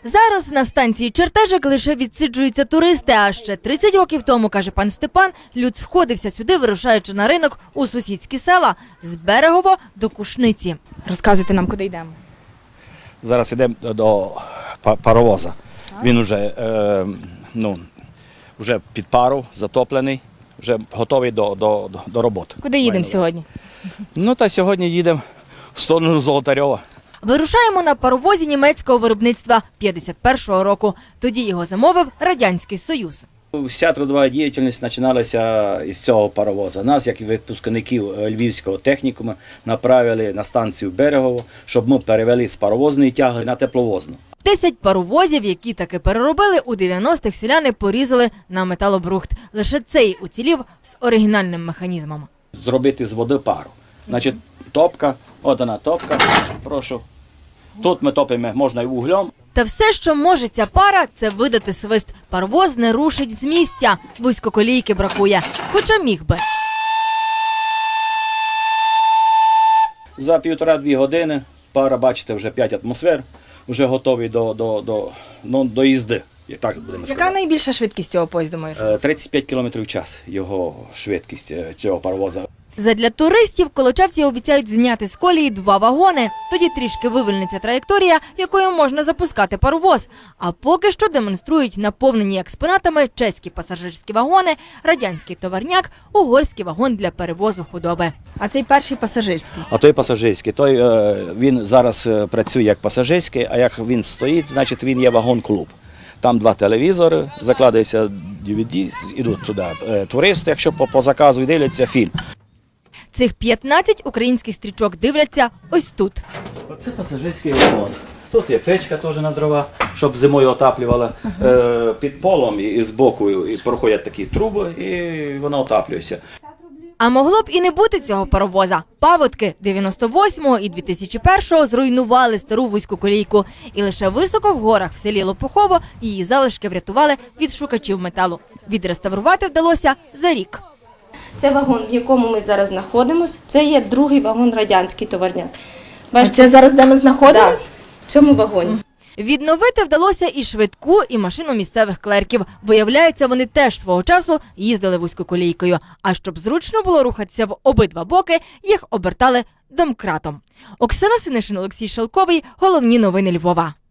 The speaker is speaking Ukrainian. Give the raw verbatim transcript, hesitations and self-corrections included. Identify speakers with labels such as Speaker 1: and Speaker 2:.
Speaker 1: Зараз на станції Чертежик лише відсиджуються туристи, а ще тридцять років тому, каже пан Степан, люд сходився сюди, вирушаючи на ринок у сусідські села з Берегово до Кушниці.
Speaker 2: Розказуйте нам, куди йдемо.
Speaker 3: Зараз йдемо до паровоза. Він вже, е, ну, вже під пару, затоплений, вже готовий до, до, до роботи.
Speaker 2: Куди їдемо сьогодні?
Speaker 3: Ну, та сьогодні їдемо в сторону Золотарьова.
Speaker 1: Вирушаємо на паровозі німецького виробництва п'ятдесят першого року. Тоді його замовив Радянський Союз.
Speaker 3: Вся трудова діяльність починалася із цього паровоза. Нас, як і випускників Львівського технікуму, направили на станцію Берегово, щоб ми перевели з паровозної тяги на тепловозну.
Speaker 1: Десять паровозів, які таки переробили, у дев'яностих селяни порізали на металобрухт. Лише цей уцілів з оригінальним механізмом.
Speaker 3: Зробити з води пару. Значить, топка, от вона топка, прошу. Тут ми топимо, можна і вуглем.
Speaker 1: Та все, що може ця пара, це видати свист. Паровоз не рушить з місця, вузькоколійки бракує, хоча міг би.
Speaker 3: За півтора-дві години пара, бачите, вже п'ять атмосфер, вже готовий до, до, до, ну, до їзди. Як так будемо
Speaker 2: Яка
Speaker 3: сказати.
Speaker 2: найбільша швидкість цього поїзду, моєш?
Speaker 3: Е, тридцять п'ять кілометрів в час його швидкість е, цього паровоза.
Speaker 1: Задля туристів колочавці обіцяють зняти з колії два вагони. Тоді трішки вивільниться траєкторія, якою можна запускати паровоз. А поки що демонструють наповнені експонатами чеські пасажирські вагони, радянський товарняк, угорський вагон для перевозу худоби.
Speaker 2: А цей перший пасажирський.
Speaker 3: А той пасажирський, той, е, він зараз е, працює як пасажирський, а як він стоїть, значить він є вагон-клуб. Там два телевізори, закладається ді ві ді, йдуть туди е, туристи, якщо по, по заказу, і дивляться фільм.
Speaker 1: Цих п'ятнадцять українських стрічок дивляться ось тут.
Speaker 3: Оце пасажирський вагон. Тут є печка теж на дрова, щоб зимою отаплювала. Е, під полом і, і з боку і проходять такі труби, і воно отаплюється.
Speaker 1: А могло б і не бути цього паровоза. Паводки дев'яносто восьмого і дві тисячі першого зруйнували стару вузьку колійку. І лише високо в горах в селі Лопухово її залишки врятували від шукачів металу. Відреставрувати вдалося за рік.
Speaker 4: Це вагон, в якому ми зараз знаходимося. Це є другий вагон радянський товарняк.
Speaker 2: А це зараз, де ми знаходимося?
Speaker 4: В цьому вагоні.
Speaker 1: Відновити вдалося і швидку, і машину місцевих клерків. Виявляється, вони теж свого часу їздили вузькоколійкою. А щоб зручно було рухатися в обидва боки, їх обертали домкратом. Оксана Синишин, Олексій Шелковий. Головні новини Львова.